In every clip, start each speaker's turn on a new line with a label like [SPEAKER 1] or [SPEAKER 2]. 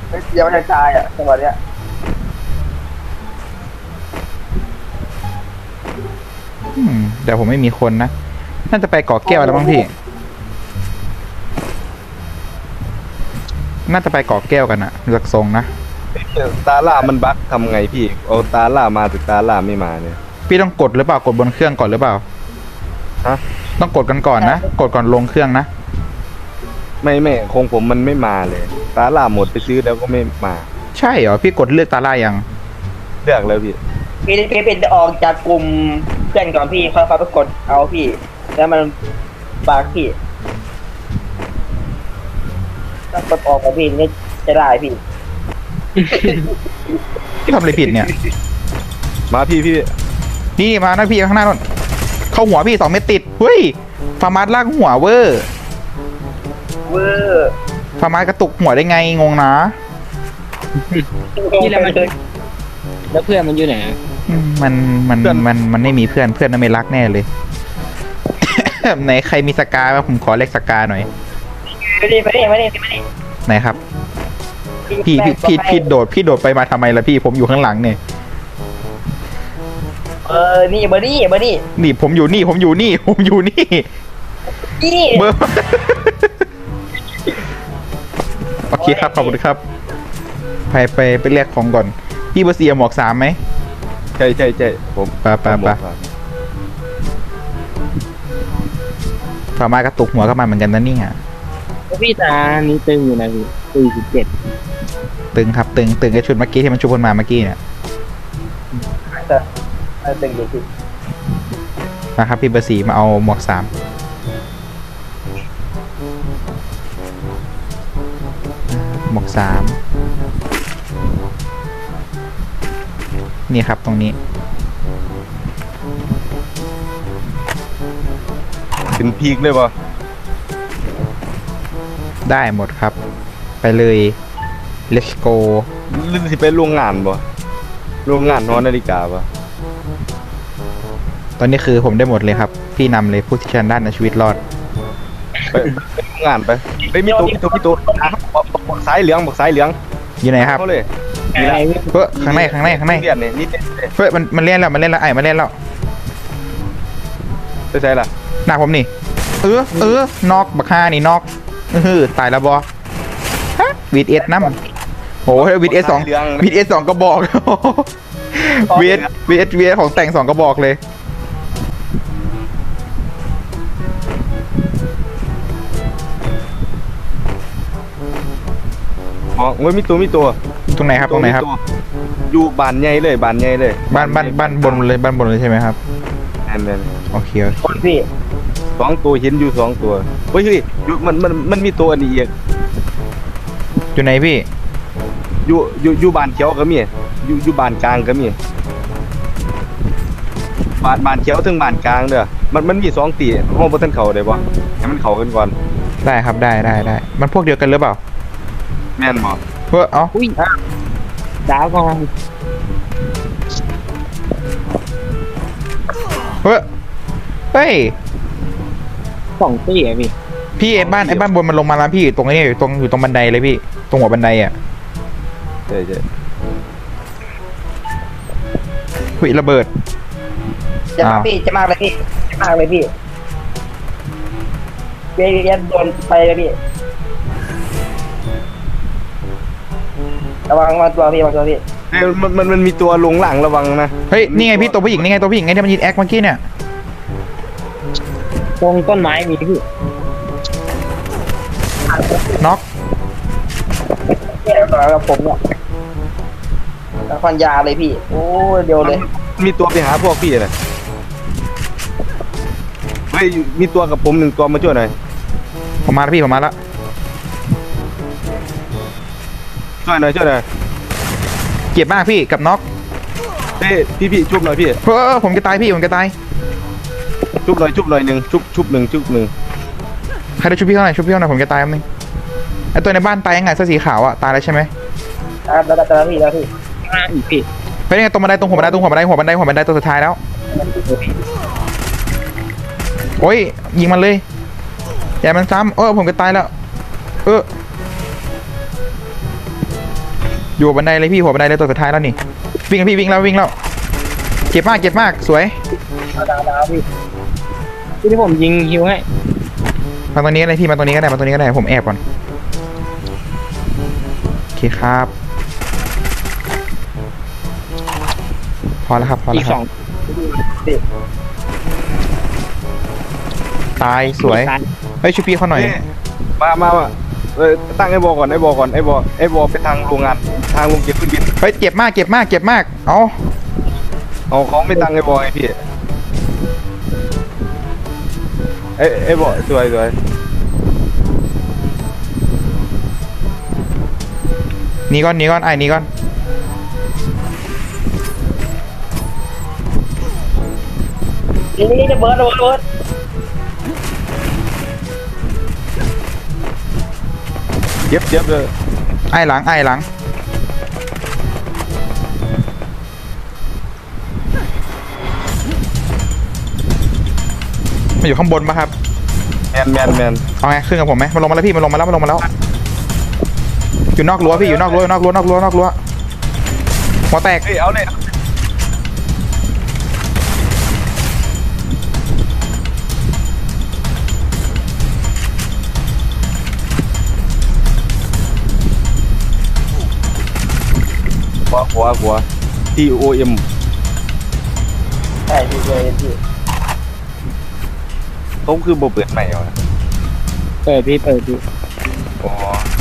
[SPEAKER 1] ยังไม่ได้ตายอ่ะจังหวะเนี้ย
[SPEAKER 2] เดี๋ยวผมไม่มีคนนะน่าจะไปเกาะแก้วแล้วมั้งพี่น่าจะไปเกาะแก้วกันอะจากทรงนะ
[SPEAKER 3] ตาล่ามันบั๊กทำไงพี่เอาตาล่ามาแต่ตาล่าไม่มาเนี่ย
[SPEAKER 2] พี่ต้องกดหรือเปล่ากดบนเครื่องก่อนหรือเปล่า
[SPEAKER 3] ฮะ
[SPEAKER 2] ต้องกดกันก่อนนะกดก่อนลงเครื่องนะ
[SPEAKER 3] ไม่คงผมมันไม่มาเลยตาล่าหมดไปซื้อแล้วก็ไม่มา
[SPEAKER 2] ใช่เหรอพี่กดเลือกตาล่ายัง
[SPEAKER 3] เลือกแล้วพี่
[SPEAKER 1] พี่เป็นออกจากกลุ่มเพื่อนก่อนพี่ค่อยไปกดเอาพี่แล้วมันบากพี่ถ้ากดออกกับพี่นี่จะได้พี่
[SPEAKER 2] พี่ทำอะไรผิดเนี่ย
[SPEAKER 3] มาพี่
[SPEAKER 2] นี่มานะพี่ข้างหน้าโน่นเข้าหัวพี่2 เม็ดติดเฮ้ยฟาร์มาสลากหัวเวอร์ฟาร์มาสกระตุกหัวได้ไงงงนะ
[SPEAKER 1] นี่แหละมันแล้วเพื่อนมันอยู่ไหน
[SPEAKER 2] มันไม่มีเพื่อนนั่นไม่รักแน่เลย ไหนใครมีสกาผมขอเลขสกาหน่อย
[SPEAKER 1] มาดิ
[SPEAKER 2] ไหนครับพี่โดดไปมาทำไมล่ะพี่ผมอยู่ข้างหลังเนี่ย
[SPEAKER 1] นี่เบอร์นี่
[SPEAKER 2] นี่ผมอยู่นี่นี่เบอร์ โอเคครับขอบคุณครับไปเรียกของก่อนพี่เบอร์4หมวก3ไหม
[SPEAKER 3] ใช่ผม
[SPEAKER 2] ไปพามากระตุกหัวก็มาเหมือนกันนะนี่อ่ะ
[SPEAKER 1] พี่ตานี่ตึงอยู่นะพี่47
[SPEAKER 2] ตึงครับตึงไอชุดเมื่อกี้ที่มันชุบคนมาเมื่อกี้เนี่ย
[SPEAKER 1] ตึงอยู่พี่
[SPEAKER 2] นะครับพี่เบอร์4มาเอาหมวก3หมวก3นี่ครับตรงนี้
[SPEAKER 3] เป็นพีกเลยปะ
[SPEAKER 2] ได้หมดครับไปเลย let's go
[SPEAKER 3] หรือสิไปโรงงานปะโรงงานนอนนาฬิกาปะ
[SPEAKER 2] ตอนนี้คือผมได้หมดเลยครับพี่นำเลยผู้ที่ชนะด้านในชีวิตรอด
[SPEAKER 3] ไปโรงงานไปมีตัวบอกสายเหลือง
[SPEAKER 2] อยู่ไหนครับ
[SPEAKER 3] เขาเลย
[SPEAKER 2] เฮ้ยข้างใน
[SPEAKER 3] เรียนเนี่ยนี่
[SPEAKER 2] เฮ้ยมันเล่นแล้วไอ้มันเล่นแล้ว
[SPEAKER 3] ไปใช่ล่ะ
[SPEAKER 2] หน้าผมนี่นอกบักฮานี่นอกตายแล้วบอฮะวีดเอสน้ำโอ้ยวีดเอส2กระบอกวีเอสของแต่ง2กระบอกเลย
[SPEAKER 3] อ๋อมีตัว
[SPEAKER 2] ตรงไหนครับ
[SPEAKER 3] อยู่บ้านใหญ่เลยบ้าน
[SPEAKER 2] บนเลยใช่ไหมครับ
[SPEAKER 3] นั่น
[SPEAKER 2] โอเค
[SPEAKER 1] พี่
[SPEAKER 3] 2 ตัวเห็นอยู่2 ตัวเฮ้ยมันมีตัวอันนี้อีก
[SPEAKER 2] อยู่ไหนพี่
[SPEAKER 3] อยู่บ้านเขียวก็มีอยู่บ้านกลางก็มีบ้านเขียวถึงบ้านกลางเด้อมันมี2 ตีห้องบ่ทันเข้าได้บ่ให้มันเข้ากันก่อน
[SPEAKER 2] ได้ครับได้มันพวกเดียวกันหรือเปล่า
[SPEAKER 3] แม่นบ่
[SPEAKER 2] เฮ้ย
[SPEAKER 1] อุ้ยดาวกอง
[SPEAKER 2] เฮ้ย
[SPEAKER 1] 2 ตีอ่ะ
[SPEAKER 2] พี่ไอ้บ้านบนมันลงมาแล้วพี่ตรงนี้อยู่ตรงบันไดเลยพี่ตรงหัวบันไดอ่ะ
[SPEAKER 3] ใช่
[SPEAKER 2] หุยระเบิด
[SPEAKER 1] จะมากเลยพี่เรียนโดนไปเลยพี่ระวังตัวพี่
[SPEAKER 3] มันมีตัวลงหลังระวังนะ
[SPEAKER 2] เฮ้ยนี่ไงพี่ตัวผู้หญิงไงที่มันยิงแอคเมื่อกี้เนี่ย
[SPEAKER 1] ตรงต้นไม้มีพี่
[SPEAKER 2] น็อก
[SPEAKER 1] กับผมเนี่ยแล้วฟันยาเลยพี่โอ้เดียวเลย
[SPEAKER 3] มีตัวไปหาพวกพี่เลยเฮ้ยมีตัวกับผม1 ตัวมาช่วยหน่อย
[SPEAKER 2] ผมมาแล้วพี่แล้ว
[SPEAKER 3] ช่วยหน่อย
[SPEAKER 2] เจ็บมากพี่กับน็อก
[SPEAKER 3] เฮ้ยพี่ชุบหน่อยพี่
[SPEAKER 2] ผมจะตายพี่
[SPEAKER 3] ชุบหน่อย1ชุบ1
[SPEAKER 2] ใครได้ชุบพี่เท่าไหร่ผมจะตายนึงไอตัวในบ้านตายยังไงเสื้อสีขาวอ่ะตายแล้วใช่ไหม
[SPEAKER 1] แล้วพี่อีกพี่
[SPEAKER 2] ไปยังไงตรงบันไดหัวบันไดตัวสุดท้ายแล้วโอ้ยยิงมันเลยอย่ามันซ้ำผมจะตายแล้วอยู่บันไดเลยพี่หัวบันไดเลยตัวสุดท้ายแล้วนี่วิ่งพี่วิ่งแล้ววิ่งแล้วเจ็บมากเจ็บมากสวย
[SPEAKER 1] ดาวพี่
[SPEAKER 4] ที่ผมยิงฮิวให้
[SPEAKER 2] มาตรงนี้ก็ได้พี่มาตรงนี้ก็ได้มาตรงนี้ก็ได้ผมแอบก่อนโอเคครับพอแล้วครับพอ
[SPEAKER 4] อี
[SPEAKER 2] แล้ว
[SPEAKER 4] ก
[SPEAKER 2] ค
[SPEAKER 4] ส
[SPEAKER 2] รั
[SPEAKER 4] อบ ง
[SPEAKER 2] ตายสวยเฮ้ยช่วยพี่เขาหน่อย
[SPEAKER 3] มาตั้งไอ้บอกก่อนไอ้บอกไปทางโรงงานทางโรงเก็บเครื่องบิน
[SPEAKER 2] เฮ้ยเจ็บมากเจ็บมากเจ็บมากเอา
[SPEAKER 3] เอาเขาไม่ตั้งไอ้บอกไอ้พี่ไอ้บอกสวย
[SPEAKER 2] หนีก่อนหนีก่อนไอ้หนีก่อน
[SPEAKER 1] นี่จะเบิร์ด
[SPEAKER 3] เจ็บเลย
[SPEAKER 2] ไอ้หลังไอ้หลังมาอยู่ข้างบนปะครับ
[SPEAKER 3] แมน
[SPEAKER 2] เอาไงขึ้นกับผมไหมมันลงมาแล้วพี่มันลงมาแล้วอยู่นอกรั้วพี่อยู่นอกรั้วนอกรั้หัวแตก
[SPEAKER 3] เฮ้ยเอาเลยหัว TOM
[SPEAKER 1] ใช่พี่เลยพี่
[SPEAKER 3] เขาคือโบเปิดใหม่เหรอ
[SPEAKER 4] เปิดพี่
[SPEAKER 3] อ๋อ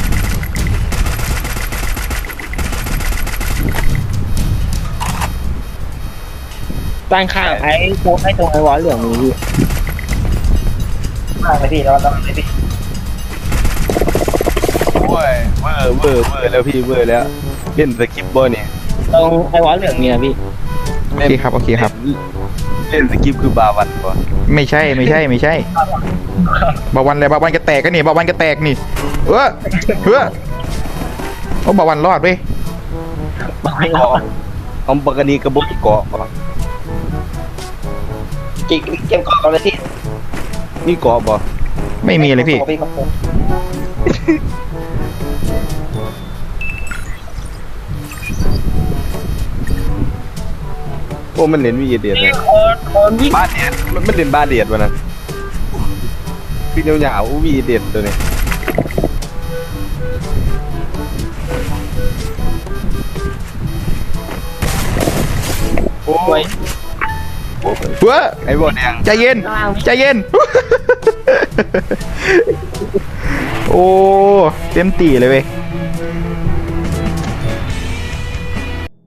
[SPEAKER 4] ตั้งข้างไอ้โค้งไอ้ตรงไอ้วอลเหลืองนี้พี่
[SPEAKER 1] มากเลยพี่เราต้องเลยพี่
[SPEAKER 3] โอ้ยเวอร์แล้วพี่เวอร์แล้วเล่นสกิปบอเนี่ย
[SPEAKER 4] ตรงไอ้วอลเหลืองเนี่ยพี่
[SPEAKER 2] โอเคครับโอเคครับ
[SPEAKER 3] เล่นสกิปคือบาวันปะ
[SPEAKER 2] ไม่ใช่บาวันเลยบาวันกระแตกกันนี่บาวันกระแตกนี่โอ้บาวันรอดเว้ย
[SPEAKER 1] บอกให้
[SPEAKER 3] เกาะเอาปกติกระบอกเกาะ
[SPEAKER 1] เกมก่อนเลยพี่
[SPEAKER 3] นี่เกาะบ่
[SPEAKER 2] ไม่มีเลยพี่
[SPEAKER 3] โอ้มันเล่นวีเดียดเลย
[SPEAKER 1] คนวิ่ง
[SPEAKER 3] บาเดียดมันเล่นบาเดียดวะนะพี่เนียวๆวีเดียดตัวนี้โอ้ย
[SPEAKER 2] เว้อ
[SPEAKER 3] ไอ้บอแดง
[SPEAKER 2] ใจเย็นใจเย็น โอ้เต็มตีเลยเว้ย